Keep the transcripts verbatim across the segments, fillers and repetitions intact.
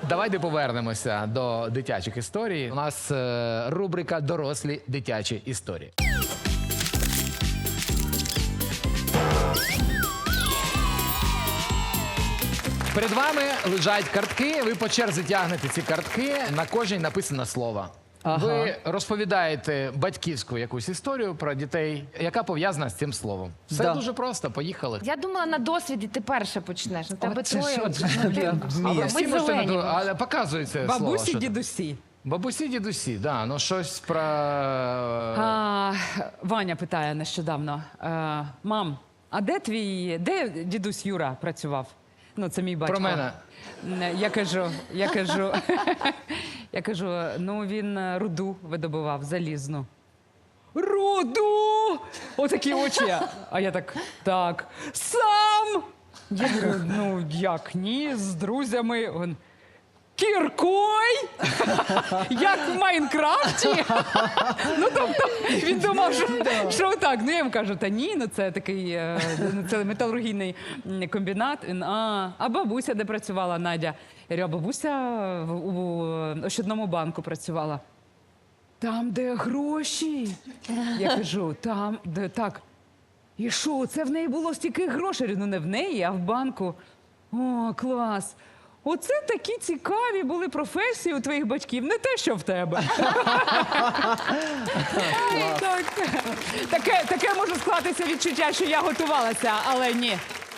Давайте повернемося до дитячих історій. У нас е, рубрика «Дорослі дитячі історії». Перед вами лежать картки, ви по черзі тягнете ці картки, на кожній написано слово. Ага. Ви розповідаєте батьківську якусь історію про дітей, яка пов'язана з цим словом. Все Да. дуже просто, поїхали. Я думала, на досвіді ти перше почнеш. На тебе це троє. що вже. це? Ну, ти- Я А вмію. ми Всі можете зелені. наду- але показується слово. Бабусі, що там. дідусі. Бабусі, дідусі, да, ну щось про... А, Ваня питає нещодавно. А, мам, а де твій, де дідусь Юра працював? Ну, це мій батько. Про мене. Я кажу, я кажу, я кажу, ну він руду видобував, залізну. Руду! Отакі очі. А я так, так, сам! Я говорю, ну як ні, з друзями. Він, кіркой? Як в Майнкрафті? Ну, тобто, він думав, що, що так. Ну, я йому кажу, та ні, ну це такий, е, це металургійний м, комбінат. Він, а, а бабуся де працювала, Надя? Я говорю, а бабуся в, у Ощадному банку працювала. Там, де гроші. Я кажу, там, де так. І що, це в неї було стільки грошей? Я говорю, ну не в неї, а в банку. О, клас. Оце такі цікаві були професії у твоїх батьків, не те, що в тебе. Так. Таке, таке може склатися відчуття, що я готувалася, але ні.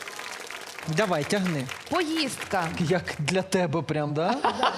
Давай, тягни. Поїздка. Як для тебе прям, да?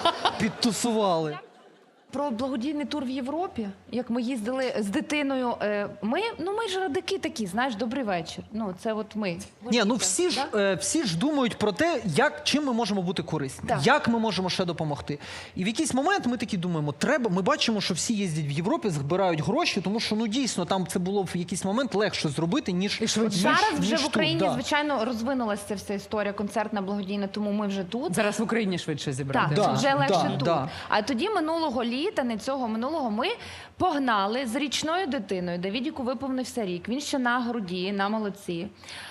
Підтусували. Про благодійний тур в Європі, як ми їздили з дитиною. е, Ми, ну ми ж радики такі, знаєш, добрий вечір. Ну, це от ми. Ні, ну всі ж, Да? е, всі ж думають про те, як, чим ми можемо бути корисні, Так. як ми можемо ще допомогти. І в якийсь момент ми такі думаємо, треба, ми бачимо, що всі їздять в Європі, збирають гроші, тому що, ну дійсно, там це було в якийсь момент легше зробити, ніж, І швидше. ніж, Зараз вже ніж в тут, Україні, да. звичайно, розвинулася ця вся історія концертна, благодійна, тому ми вже тут. Зараз в Україні швидше зібрати. Так, Да, вже легше да, тут. да. А тоді минулого літа, не цього минулого, ми погнали з річною дитиною. Давідіку виповнився рік. Він ще на груді, на молодці.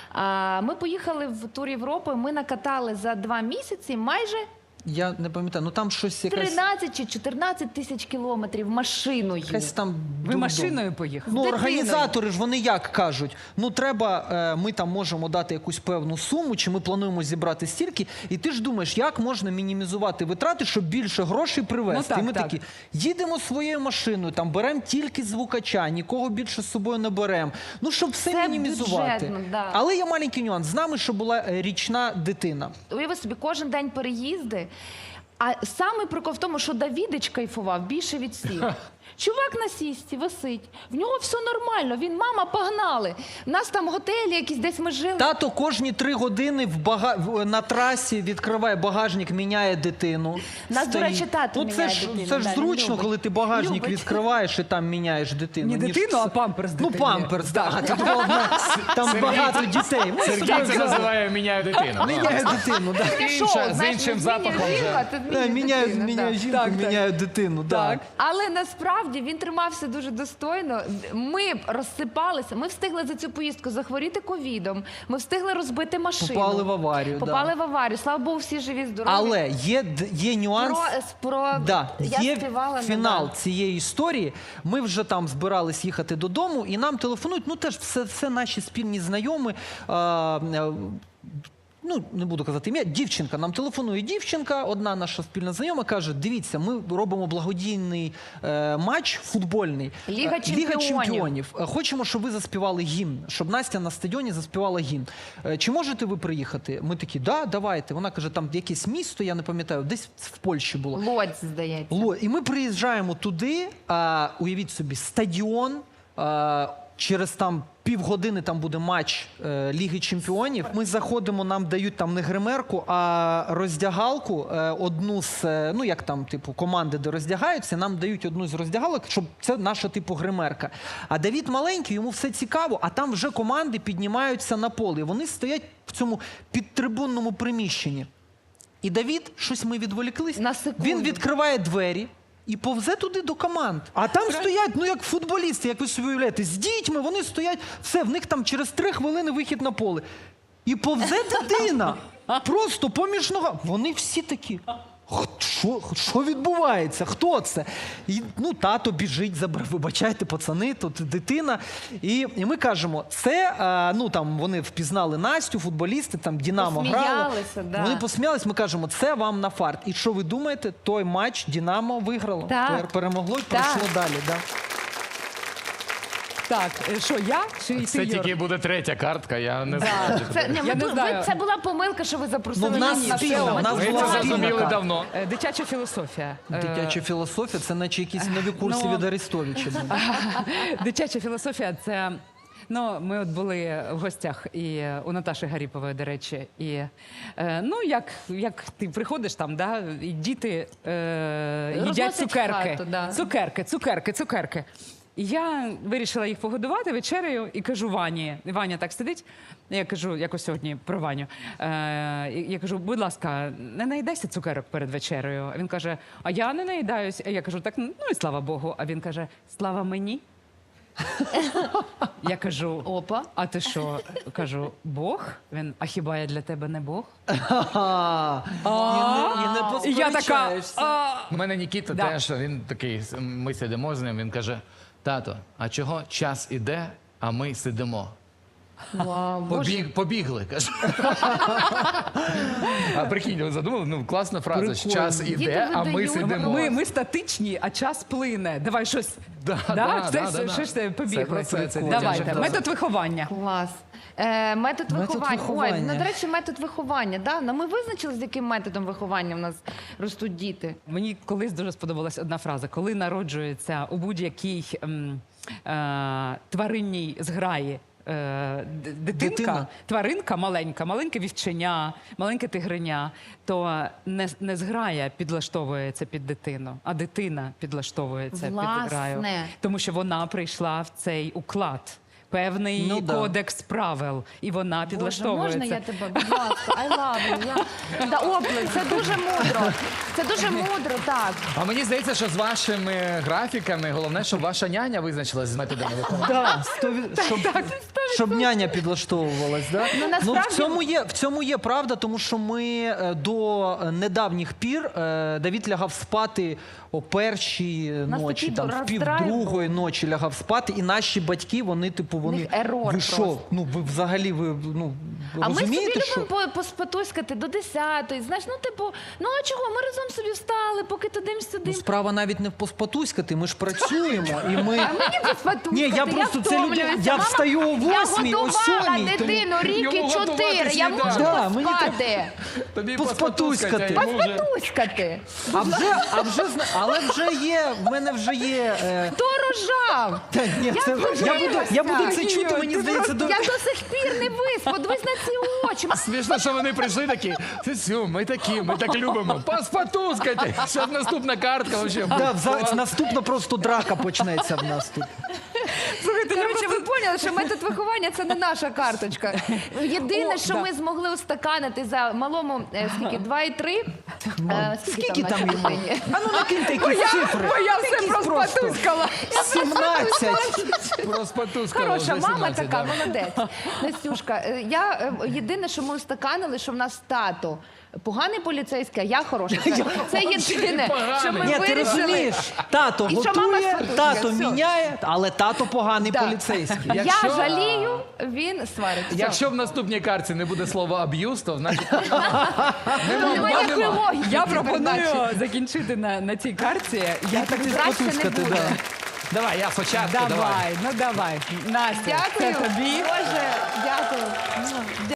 А, ми поїхали в тур Європи. Ми накатали за два місяці майже Я не пам'ятаю, ну там щось якась, тринадцять чи чотирнадцять тисяч кілометрів машиною. якась там... Ви дурдом. машиною поїхали? Ну, З дитиною. організатори ж вони як кажуть, ну треба, е, ми там можемо дати якусь певну суму, чи ми плануємо зібрати стільки, і ти ж думаєш, як можна мінімізувати витрати, щоб більше грошей привезти. Ну, так, і ми так. такі, їдемо своєю машиною, там беремо тільки звукача, нікого більше з собою не беремо. Ну, щоб все Це мінімізувати. бюджетно, да. Але є маленький нюанс. З нами, що була е, річна дитина. Уяви собі, кожен день переїзди. А саме прикол в тому, що Давідич кайфував більше від всіх. Чувак на сісті висить, в нього все нормально, він, мама, погнали. У нас там готелі якісь, десь ми жили. Тато кожні три години в бага... в- на трасі відкриває багажник, міняє дитину. Нас, до Стоїть. речі, тато ну, це міняє ж, дитину, Це ж да, він зручно, любить. коли ти багажник Любить. відкриваєш і там міняєш дитину. Не ніж дитину, це- а памперс Ну, дитині. памперс, так. Да. Тут головне, там багато дітей. Ми Сергій собі це взяли. називає «міняю дитину». Міняє дитину, так. Таке шоу, Інша, з знаєш, іншим не змінює запахом жінку, вже. а ти змінюєш Міняє, дитину, міняє да. жінку, Так, так. міняє дитину. Так. Так. Але насправді він тримався дуже достойно. Ми б розсипалися. Ми встигли за цю поїздку захворіти ковідом. Ми встигли розбити машину. Попали в аварію, Попали да. в аварію. Слава Богу, всі живі, здорові. Але є, д- є нюанс. Про, про... Да, Я є співала, ну, фінал да. цієї історії. Ми вже там збирались їхати додому, і нам телефонують. Ну теж все, все наші спільні знайомі. А, е, ну, не буду казати ім'я, дівчинка. Нам телефонує дівчинка, одна наша спільна знайома, каже, дивіться, ми робимо благодійний е, матч футбольний. Ліга Е, чемпіонів. Ліга чемпіонів. Е, Хочемо, щоб ви заспівали гімн, щоб Настя на стадіоні заспівала гімн. Е, Чи можете ви приїхати? Ми такі, да, давайте. Вона каже, там якесь місто, я не пам'ятаю, десь в Польщі було. Лодь, здається. Ло- І ми приїжджаємо туди, а, уявіть собі, стадіон, а, через там півгодини там буде матч е, Ліги Чемпіонів. Ми заходимо, нам дають там не гримерку, а роздягалку, е, одну з, е, ну як там, типу, команди, де роздягаються, нам дають одну з роздягалок, щоб це наша, типу, гримерка. А Давід маленький, йому все цікаво, а там вже команди піднімаються на поле. І вони стоять в цьому підтрибунному приміщенні. І Давід, щось ми відволіклись, На секунду. він відкриває двері і повзе туди до команд. А там стоять, ну як футболісти, як ви собі уявляєте, з дітьми, вони стоять, все, в них там через три хвилини вихід на поле. І повзе дитина, просто поміж нога. Вони всі такі, «Х, що, що відбувається? Хто це? І, ну, тато біжить, забрав, вибачайте, пацани, тут дитина. І, і ми кажемо, це, а, ну, там, вони впізнали Настю, футболісти, там, Динамо грало. Посміялися, да. Вони посміялись, ми кажемо, це вам на фарт. І що ви думаєте? Той матч Динамо виграло, Так. пер- перемогло і Так. пройшло далі. Да. Так, е, що я чи ти, Це Юр? тільки буде третя картка, я не знаю. Це, ні, Я ви, не ви- знаю. це була помилка, що ви запросили Ну, в нас нас на спільна, шоу. в нас Ми була це спільна зрозуміли карта. давно. Е, Дитяча філософія. Е, Дитяча філософія це наче якісь нові курси ну, від Арестовича. Дитяча філософія це. Ну, ми от були в гостях і е, у Наташі Гаріпової, до речі. І е, ну, як, як ти приходиш там, да, і діти е, їдять Розносять цукерки. хату, да. Цукерки, цукерки, цукерки. І я вирішила їх погодувати вечерею і кажу Вані. І Ваня так сидить. Я кажу, якось сьогодні про Ваню. Е, і я кажу, будь ласка, не наїдайся цукерок перед вечерею. А він каже, а я не наїдаюсь. А я кажу, так, ну і слава Богу. А він каже, слава мені. Я кажу, Опа. а ти що? Кажу, Бог? Він, а хіба я для тебе не Бог? Ага. І не, і не І я така, посперечаєшся. а, У мене Нікіта Да. теж, він такий, ми сидимо з ним, він каже, тато, а чого час іде, а ми сидимо? Вау, Боже. Побіг, побігли, каже. А прикинь, ви задумали? Ну, класна фраза. що Час Діти іде, а ми видають. сидимо. ми, ми статичні, а час плине. Давай щось. Да, Да? да, Це- да, це- да, да. Що ж ти Це побігли? про це, це Давайте, дитяча метод виховання. Клас. Е, метод, Метод виховання. виховання. Ой, ну, до речі, метод виховання. Да? Ну, ми визначили, з яким методом виховання в нас ростуть діти. Мені колись дуже сподобалась одна фраза. Коли народжується у будь-якій ем, е, тваринній зграї е, д- дитинка, Дитина. тваринка маленька, маленьке вівченя, маленьке тигриня, то не, не зграя підлаштовується під дитину, а дитина підлаштовується Власне. під зграю. Тому що вона прийшла в цей уклад. Певний Ну, да. кодекс правил, і вона Боже, підлаштовується. можна я тебе, будь ласка, I love you. Я... Да, оплески. Це дуже мудро. Це дуже мудро, так. А мені здається, що з вашими графіками головне, щоб ваша няня визначилась з методами виховання. Да, сто від- щоб, щоб няня підлаштовувалась. Да? Ну, Ну, в, насправді- цьому є, в цьому є правда, тому що ми е, до недавніх пір е, Давід лягав спати о першій нас ночі, такий там, в пів роздрайв другої ночі лягав спати, і наші батьки, вони, типу, вони. них ерор ви що? просто. Ну, ви взагалі, ви, ну, А ми собі розумієте, що? любимо по- поспатуськати до десятої. Знаєш, ну типу, ну а чого? Ми разом собі встали, поки tudим-сюдим. Ну, справа навіть не в поспатуськати, ми ж працюємо, і ми... А мені поспатуськати, Ні, я просто це люди- втомлююся. я Мама, встаю о восьмій, о Я сьомій, годувала тому- дитину рік і Йому чотири. готуватись Я не можу треба. Да, мені поспати. Тобі Поспатуськати. поспатуськати, йому вже. Поспатуськати. А вже, а вже, зна- але вже є, в мене вже є... Е... Хто рожав? Та, ні, це, я, буду, я буду це Ні, чути, мені ти здається, до... Я до сих пір не виспа. Дивись на ці очі. Смішно, що вони прийшли такі, все, ми такі, ми так любимо. Поспатускайте. Зараз наступна картка вообще. Да, вза- наступно просто драка почнеться в нас тут. Слухайте, я Коротше, просто- ви поняли, що метод виховання це не наша карточка. Єдине, О, що да. ми змогли устаканити за малому е, скільки два і три. Е, Скільки там нашій йому? дитині? А ну накиньте Бо якісь я, цифри. бо я все Якісь проспатуськала. сімнадцять. Поспатускали Хороша вже мама сімнадцять, така, да. молодець. Настюшка, е, я е, єдине, що ми устаканили, що в нас тато поганий поліцейський, а я хороша. Це, це єдине, що ми Ні, ти вирішили. розумієш, тато І що мама готує, спатує, тато все. міняє, але тато поганий Да. поліцейський. Якщо- Я жалію, він сварить. Все. Якщо в наступній картці не буде слова аб'юз, то значить Тут немає ніякої логіки. Я в цій передачі. пропоную закінчити на, на цій карті. Я так Краще не Спатускати, буде. да. давай, я спочатку. давай, давай. ну давай. Настя, Дякую. це тобі. Боже, дякую.